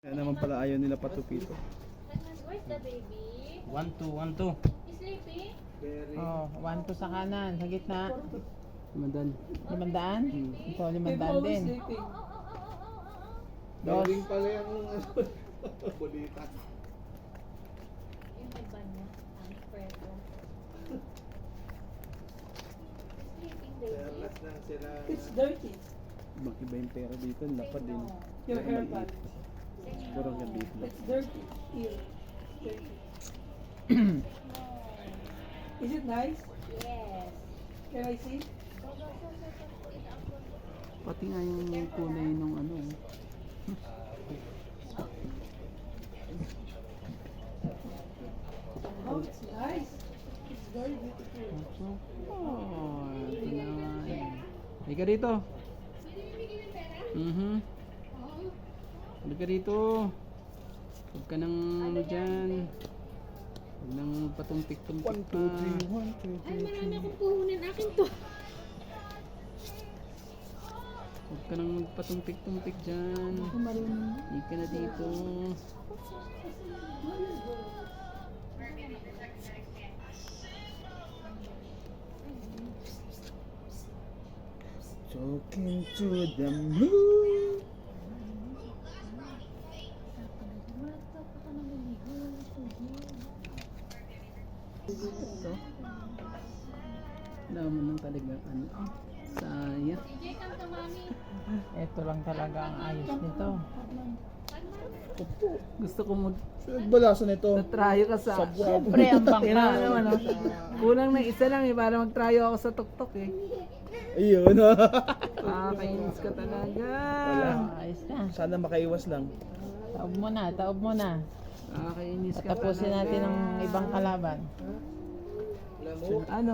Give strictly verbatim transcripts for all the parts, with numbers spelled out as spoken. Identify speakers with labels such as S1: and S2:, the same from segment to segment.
S1: Kaya naman pala ayaw nila patupito.
S2: Where's the baby?
S3: One, two, one, two.
S2: Is sleeping?
S4: Oh, one to sa kanan, sa gitna.
S3: Madan.
S4: Limandaan? Ito, limandaan din.
S2: Oh, oh, oh, oh, oh, oh, oh.
S4: Dos.
S1: Galing pala yung kulita.
S2: Yung may banyo. Ang preto. Sleeping baby.
S1: lang sila.
S5: It's dirty.
S1: Makiba yung pera dito, lapad din.
S5: Your haircut.
S1: Siguro nga dito.
S5: It's dirty. Here. Dirty. Is it nice?
S2: Yes.
S5: Can I see?
S2: Go, go, go, go, go. It's up, go, go.
S3: Pati nga yung kulay nung ano.
S5: Oh, it's nice. It's very beautiful.
S3: Oh, ito na nga yun. Halika rito. Mhm. Halika rito. Huwag ka nang ano dyan. Huwag nang patumpik-tumpik
S1: one,
S3: pa.
S1: two, three, one, two,
S2: Ay,
S1: three,
S2: marami akong puhunan. Akin to.
S3: Huwag ka nang patumpik-tumpik dyan. Hindi ka na dito.
S1: Talking to the moon.
S3: Ito. Wala mo nang talagang ano. Sayang.
S2: D J, come to mommy.
S4: Ito lang talaga ang ayos nito.
S3: Gusto ko mag
S1: Nagbalasan nito.
S3: tryo ka sa
S4: Siyempre, ang bangka.
S3: Tingnan mo naman, oh. Kulang na isa lang eh para mag-tryo ako sa tuktok eh.
S1: Ayun.
S3: Ah, kainis ka talaga.
S1: Wala.
S4: Ayos na.
S1: Sana makaiwas lang.
S4: Taob mo na, taob mo na.
S3: Ah, kainis ka
S4: Tapusin
S3: talaga.
S4: natin ang ibang kalaban.
S3: Ano?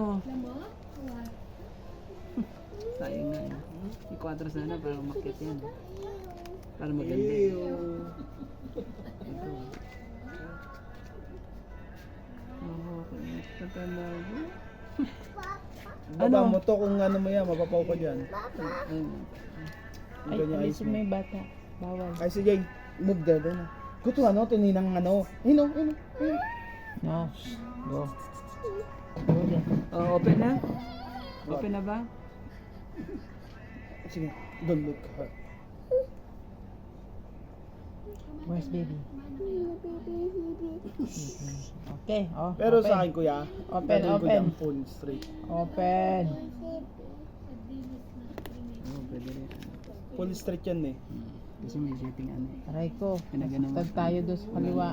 S3: Sayang nga eh. I-quadro sana para umakyat yan. Para maganda. Ito. Oh, kainis ka talaga.
S1: Baba
S3: Ano?
S1: mo to kung ano mo yan, mapapaw ka dyan.
S3: Ayun.
S1: Yung
S4: Ay,
S1: ganyan ayos
S4: alisin
S1: mo.
S4: mo yung bata. Bawal.
S1: Ay sige, move there doon. Kuto ano, tininang ano. Ayun o, ayun o, ayun.
S4: No. Go. Go din.
S3: Oh, open na? Open na ba?
S1: Sige, don't look her.
S4: Where's baby? Okay, oh.
S1: Pero
S4: open.
S1: sa akin kuya,
S4: Open,
S1: gagawin ko
S4: open.
S1: dyan full straight.
S4: Open.
S3: Oo, pwede rin.
S1: Full straight yan eh.
S3: Hmm. Kasi may shooting ano eh.
S4: Aray ko.
S3: Pinagano mo.
S4: Tag tayo doon sa kaliwa.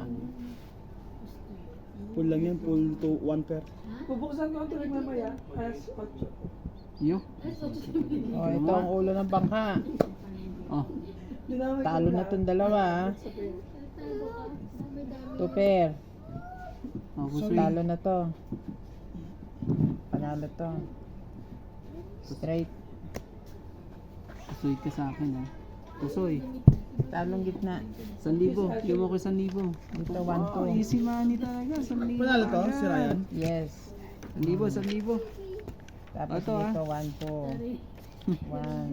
S1: Full lang yan, full to one pair.
S5: Bubuksan ko ang tuloy mamaya. As ocho.
S3: Yo.
S4: Oh, ito ang ulo ng bangka.
S3: Oh.
S5: Dinamay ko
S4: Talo na
S5: lahat.
S4: tong dalawa. ah. Two pair.
S3: Oh, gusto
S4: Talo na to. Panalo to. Straight.
S3: Kusoy ka sa akin ha. Kusoy.
S4: Talong gitna.
S3: San libo. Yung ako san libo.
S4: Dito one
S3: Oh,
S4: two.
S3: easy money talaga. San libo.
S1: Panalo to,
S3: agad.
S1: si Ryan.
S4: Yes.
S3: San libo, san libo.
S4: Tapos
S3: Ito, ah.
S4: dito one two. One.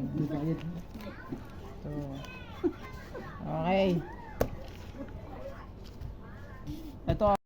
S4: Two. Okay.
S3: Ito